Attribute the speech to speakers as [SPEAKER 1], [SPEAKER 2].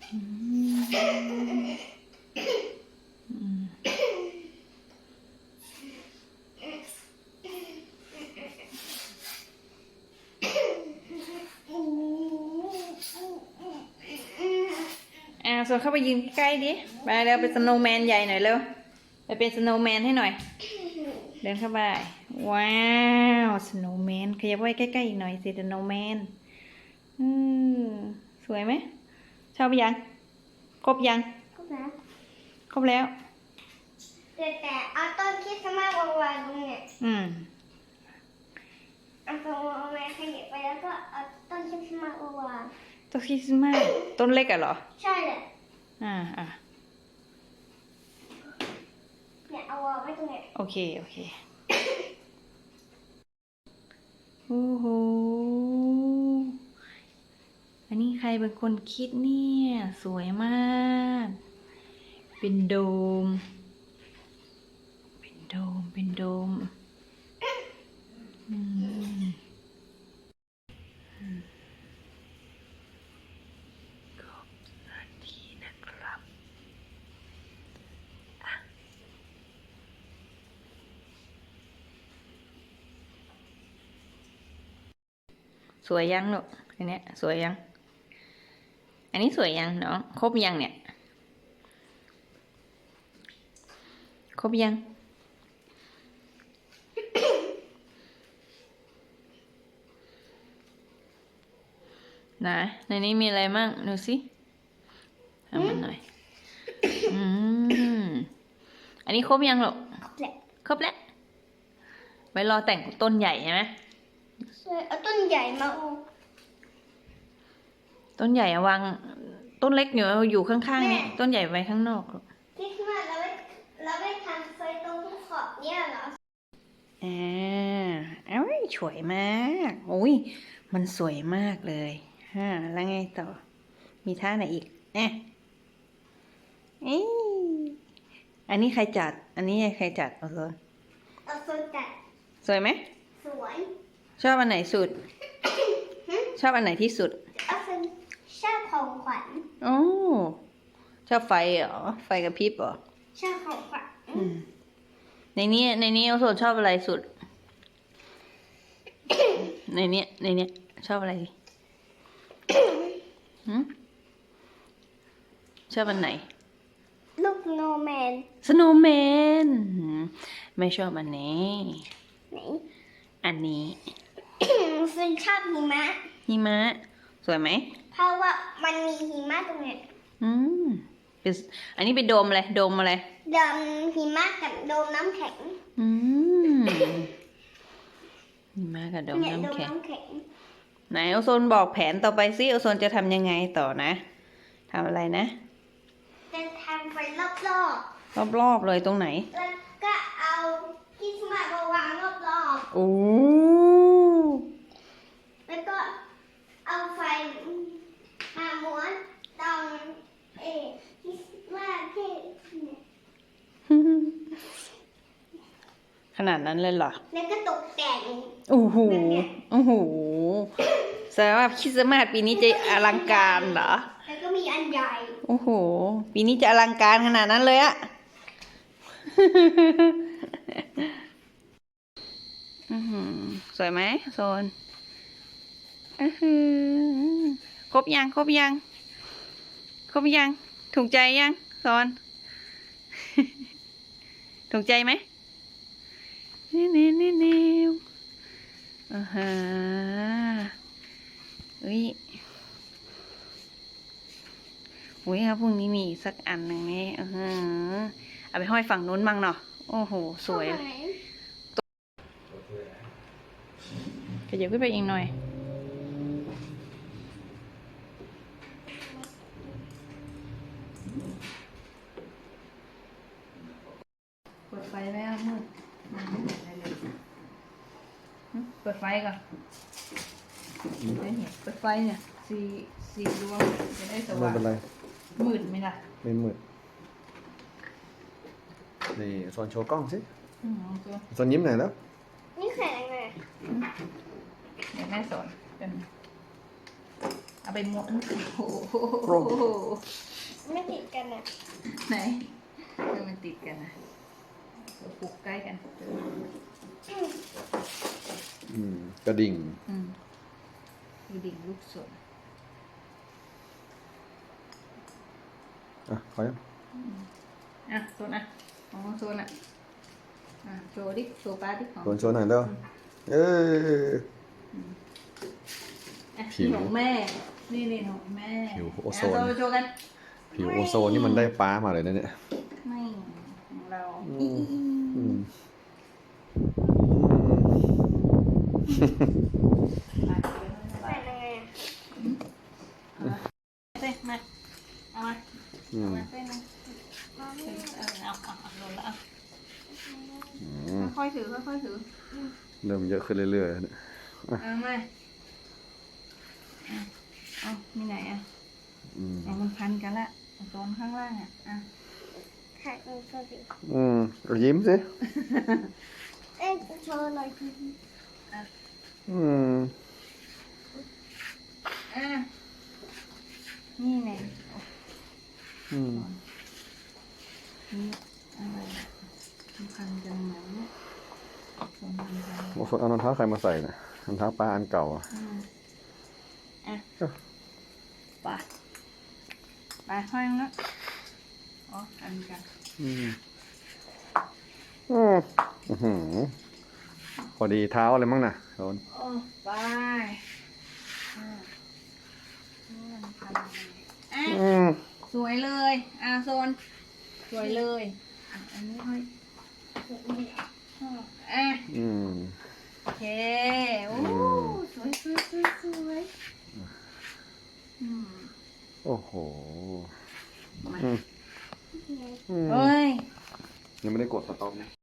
[SPEAKER 1] ส่วนเข้าไปยืนใกล้ดิไปเร็วเป็นสโนว์แมนใหญ่หน่อยเร็วไปเป็นสโนว์แมนให้หน่อยเดินเข้าไปว้าวสโนว์แมนขยับไว้ใกล้ๆอีกหน่อยสิสโนว์แมนสวยไหมชอบยังครบยัง
[SPEAKER 2] ครบแล้ว
[SPEAKER 1] ครบแล้ว
[SPEAKER 2] แต่เอาต้นคริสต์มาสวางตรงเนี่ยเอาตรงเอาแม่ขยับไปแล้วก็เอาต้นคริสต์มาสวาง
[SPEAKER 1] ต้นคริสต์มาสต้นเล็กอะเหรอ
[SPEAKER 2] ใช่เลยเนี่ยเอาวางไว้ตรงเนี้ย
[SPEAKER 1] โอเคโอ้โหอันนี้ใครเป็นคนคิดเนี่ยสวยมากเป็นโดมขอบนาทีนะครับสวยยังลูกอันเนี้ยสวยยังอันนี้สวยยังเนาะครบยังเนี่ยครบยังนะในนี้มีอะไรมั่งดูสิทำมันหน่อยอันนี้ครบยังหรอครบแล้วไว้รอแต่งต้นใหญ่ใช่ไหม
[SPEAKER 2] เอาต้นใหญ่มา
[SPEAKER 1] ต้นใหญ่วางต้นเล็กอยู่ข้างๆนี่ต้นใหญ่ไว้ข้างนอก
[SPEAKER 2] ที่มาเราไม่ทำไฟตรงที่ขอบเนี่ยเหรอ
[SPEAKER 1] สวยมากโอ้ยมันสวยมากเลยแล้วไงต่อมีท่าไหนอีกอันนี้ใครจัดอันนี้ใครจัดเอาโซน
[SPEAKER 2] จัด
[SPEAKER 1] สวยไหม
[SPEAKER 2] สวย
[SPEAKER 1] ชอบอันไหนสุดชอบอันไหนที่สุด
[SPEAKER 2] ชอบของขวัญ
[SPEAKER 1] ชอบไฟเหรอไฟกระพริบเหรอ
[SPEAKER 2] ชอบของขวัญ
[SPEAKER 1] ในนี้เอาโซนชอบอะไรสุดในนี้ชอบอะไรชอบอันไหน
[SPEAKER 2] ลูกสโนว์แมน
[SPEAKER 1] ไม่ชอบอันนี้
[SPEAKER 2] ไหน
[SPEAKER 1] อันนี้
[SPEAKER 2] ซึ่งชอบ
[SPEAKER 1] หิมะสวยไหม
[SPEAKER 2] เพราะว่ามันมีหิมะตรงเนี้ย
[SPEAKER 1] อันนี้เป็นโดมอะไรโดม
[SPEAKER 2] หิมะกับโดมน้ำแข็ง
[SPEAKER 1] หิมะกับโดมน้ำแข็งไหนโอโซนบอกแผนต่อไปสิโอโซนจะทำยังไงต่อนะทำอะไรนะ
[SPEAKER 2] จะทำไป
[SPEAKER 1] รอบเลยตรงไหน
[SPEAKER 2] แล้วก็เอาคริสต์มาสมาวางรอบแล้วก็เอาไฟมาม้วนตรงคริสต์มาสที่
[SPEAKER 1] ขนาดนั้นเลยเหรอ
[SPEAKER 2] แล้วก็ตกแต่ง
[SPEAKER 1] โอ้โหแสดงว่าคริสต์มาสปีนี้จะอลังการเหรอ
[SPEAKER 2] แล้วก็มีอันใหญ่
[SPEAKER 1] โอ้โหปีนี้จะอลังการขนาดนั้นเลยอะสวยไหมโซนครบยังถูกใจยังโซนถูกใจไหมนี่อุ้ยครับพรุ่งนี้มีสักอันหนึ่งนี่เอาไปห้อยฝั่งนู้นบ้างเนาะโอ้โหสวยขยับขึ้นไปอีกหน่อยเปิดไฟไว้มืดเปิดไฟก่อนเปิดไฟเนี่ยสี่ดวงจะได้สว่างมืดไหมล่ะ
[SPEAKER 3] ไม่มืดนี่โซนโชว์กล้องสิโซนยิ้มหน่อยแล้ว
[SPEAKER 2] นี่แข็งไง
[SPEAKER 1] เดี๋ยวแม่สอนเป็นเอเอาไปม้วนโอ้โห
[SPEAKER 2] ไม่ติดกันอ่ะ
[SPEAKER 1] ไหนมันติดกันนะเราปลูกใกล้กัน
[SPEAKER 3] กระดิ่ง
[SPEAKER 1] ดูดิ่งลูกสน
[SPEAKER 3] อ่ะขอยัง
[SPEAKER 1] อ่ะโซนอ่ะของโซนอ่ะโชว์ดิโชว์ป้าดิของ
[SPEAKER 3] โชว์หน่อยเด้อเอ้ย ผิว
[SPEAKER 1] นี่ของแม่นี่ของแม่
[SPEAKER 3] ผิวโอโซน
[SPEAKER 1] โชว์กัน
[SPEAKER 3] ผิวโอโซนนี่มันได้ป้ามาเลยนะเนี่ย
[SPEAKER 1] ไม่ของเรา
[SPEAKER 3] อืม
[SPEAKER 2] ใส่ยังไงอ่ะ
[SPEAKER 1] เส้นมาเอามา
[SPEAKER 3] อืม
[SPEAKER 1] เส้นนึงเอาลงแล้ว
[SPEAKER 3] อืม
[SPEAKER 1] ค่อยๆถือค่อยๆถือ
[SPEAKER 3] เริ่มเยอะขึ้นเรื่อยๆเนี่ย
[SPEAKER 1] เอามาเอามีไหนอ่ะ
[SPEAKER 3] อืม
[SPEAKER 1] เอามันพันกันละโซนข้างล่างอ่ะ
[SPEAKER 2] ถ่ายมือก็ดี
[SPEAKER 3] เอายิ้มสิ
[SPEAKER 2] เอ๊ะโชว์หน่อยที
[SPEAKER 3] อืม
[SPEAKER 1] นี่ไง
[SPEAKER 3] อืม
[SPEAKER 1] นี่อะไรมันพันกันไหมโซนพันกัน
[SPEAKER 3] โอ้โหเอารองเท้าใครมาใส่เนี่ยรองเท้าป้าอันเก่าอ่ะ
[SPEAKER 1] ไปห้อยแล้วอ๋ออันกัน
[SPEAKER 3] พอดีเท้าอะไรมั้งน่ะโดน
[SPEAKER 1] โอ้ไปสวยเลยโซนสวยเลยอันนี้ห้อยโอเคโอ้สวยสวยสวยสวย
[SPEAKER 3] โอ้โห
[SPEAKER 1] เฮ้ย
[SPEAKER 3] ยังไม่ได้กดสต็อปนะ